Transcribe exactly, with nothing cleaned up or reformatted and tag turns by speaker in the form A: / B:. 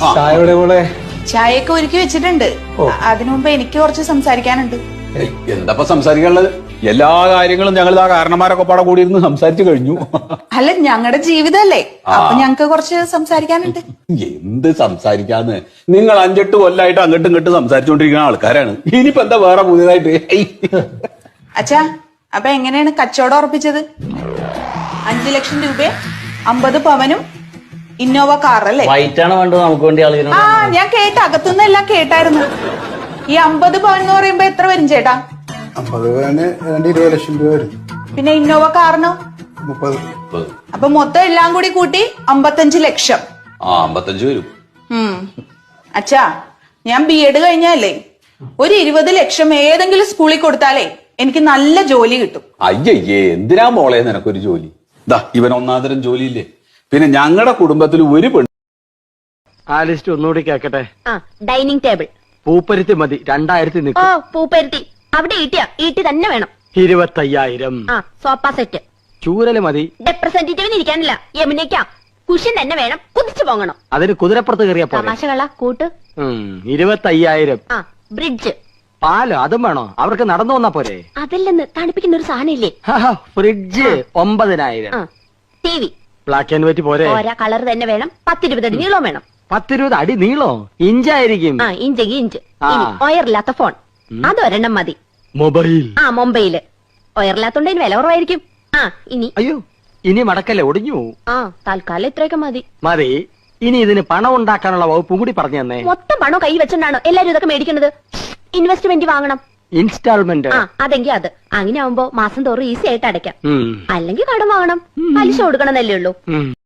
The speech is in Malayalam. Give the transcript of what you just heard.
A: ചായയുടെ കൂടെ
B: ചായയൊക്കെ ഒരുക്കി വെച്ചിട്ടുണ്ട്. അതിനു മുമ്പ് എനിക്ക് കുറച്ച് സംസാരിക്കാനുണ്ട്.
C: എന്താ സംസാരിക്കാനുള്ളത്? എല്ലാ കാര്യങ്ങളും ഞങ്ങൾ ആ കാരണന്മാരൊക്കെ പാടെ കൂടി ഇരുന്ന് സംസാരിച്ചു കഴിഞ്ഞു.
B: അല്ല, ഞങ്ങളുടെ ജീവിതമല്ലേ, അപ്പൊ ഞങ്ങക്ക് കുറച്ച് സംസാരിക്കാനുണ്ട്.
C: എന്ത് സംസാരിക്കാന്ന്? നിങ്ങൾ അഞ്ചെട്ട് കൊല്ലായിട്ട് അങ്ങോട്ടും ഇങ്ങോട്ടും സംസാരിച്ചുകൊണ്ടിരിക്കുന്ന ആൾക്കാരാണ്. ഇനിയിപ്പോ എന്താ വേറെ പുതിയതായിട്ട്?
B: അച്ഛാ, അപ്പൊ എങ്ങനെയാണ് കച്ചവടം ഉറപ്പിച്ചത്? അഞ്ചു ലക്ഷം രൂപ, അമ്പത് പവനും ഇന്നോവ കാർ അല്ലേ?
D: വൈറ്റാണ് വേണ്ടത് നമുക്ക് വേണ്ടി ആളുകൾ.
B: ആ, ഞാൻ കേട്ട അകത്തുനിന്ന് എല്ലാം കേട്ടായിരുന്നു. ഈ അമ്പത് പവൻ എന്ന് പറയുമ്പോ എത്ര വരും ചേട്ടാ?
A: അമ്പത് പവന് ഏതാണ്ട് ഇരുപത് ലക്ഷം രൂപ വരും.
B: പിന്നെ ഇന്നോവ കാറിനോ?
A: മുപ്പത്.
B: അപ്പൊ മൊത്തം എല്ലാം കൂടി കൂട്ടി അമ്പത്തഞ്ച് ലക്ഷം.
C: ആ, അമ്പത്തഞ്ച് വരും.
B: ഉം അച്ഛാ, ഞാൻ ബി എഡ് കഴിഞ്ഞല്ലേ, ഒരു ഇരുപത് ലക്ഷം ഏതെങ്കിലും സ്കൂളിൽ കൊടുത്താലേ എനിക്ക് നല്ല ജോലി കിട്ടും.
C: അയ്യയ്യേ, എന്തിനാ മോളെ നിനക്കൊരു ജോലി? ദാ ഇവൻ ഒന്നാന്തരം ജോലിയില്ലേ. പിന്നെ ഞങ്ങളുടെ കുടുംബത്തിൽ ഒരു പെണ്ണ്.
E: ആ ലിസ്റ്റ് ഒന്നുകൂടി കേക്കട്ടെ.
F: ആ, ഡൈനിങ് ടേബിൾ
E: പൂപ്പരുത്തി മതി, രണ്ടായിരത്തി
F: ഓ
E: നിൽക്കും.
F: പൂപ്പരുത്തി അവിടെ ഈട്ടിയാ ഈട്ടി തന്നെ വേണം.
E: ഇരുപത്തയ്യായിരം.
F: ആ, സോഫ സെറ്റ്.
E: ചൂരല് മതി.
F: റെപ്രസെന്റേറ്റീവിന് ഇരിക്കാനില്ല, യമുനയ്ക്കാ. കുഷൻ തന്നെ വേണം, കുതിച്ചു പോകണം.
E: അതിന് കുതിരപ്പുറത്ത് കയറിയാ പോലെ.
F: തമാശകള കൂട്ട്.
E: ഇരുപത്തയ്യായിരം.
F: ആ, ബ്രിഡ്ജ്.
E: പാലോ അതും വേണോ? അവർക്ക് നടന്നു വന്നാ പോരെ?
F: അതില്ലെന്ന് തണുപ്പിക്കുന്ന ഒരു സാധനം ഇല്ലേ?
E: ഫ്രിഡ്ജ് ഒമ്പതിനായിരം.
F: T V
E: black and white പോരെ?
F: ഓരോ കളർ തന്നെ വേണം. പത്തിരുപത് അടി നീളം വേണം.
E: പത്തിരുപത് അടി നീളോ? ഇഞ്ചായിരിക്കും.
F: ആ, ഇഞ്ചെങ്കിൽ ഇഞ്ച്.
E: ആ.
F: ഒയറില്ലാത്ത ഫോൺ അതൊരെണ്ണം മതി.
E: മൊബൈൽ.
F: ആ, മൊബൈല്. ഒയറില്ലാത്തോണ്ട് അതിന് വില കുറവായിരിക്കും. ആ, ഇനി
E: അയ്യോ, ഇനി മടക്കല്ലേ, ഒടിഞ്ഞു.
F: ആ, തൽക്കാലം ഇത്രയൊക്കെ മതി.
E: മതി. ഇനി ഇതിന് പണം ഉണ്ടാക്കാനുള്ള വകുപ്പും കൂടി പറഞ്ഞു തന്നെ.
F: മൊത്തം പണം കൈ വെച്ചോണ്ടാണോ എല്ലാരും ഇതൊക്കെ മേടിക്കുന്നത്? ഇൻവെസ്റ്റ്മെന്റ് വാങ്ങണം.
E: ഇൻസ്റ്റാൾമെന്റ്.
F: ആ, അതെങ്കിൽ അത്. അങ്ങനെ ആവുമ്പോ മാസം തോറും ഈസി ആയിട്ട് അടയ്ക്കാം.
E: ഉം.
F: അല്ലെങ്കിൽ കടം വാങ്ങണം, പലിശ കൊടുക്കണമെന്നല്ലേ ഉള്ളൂ.
E: ഉം.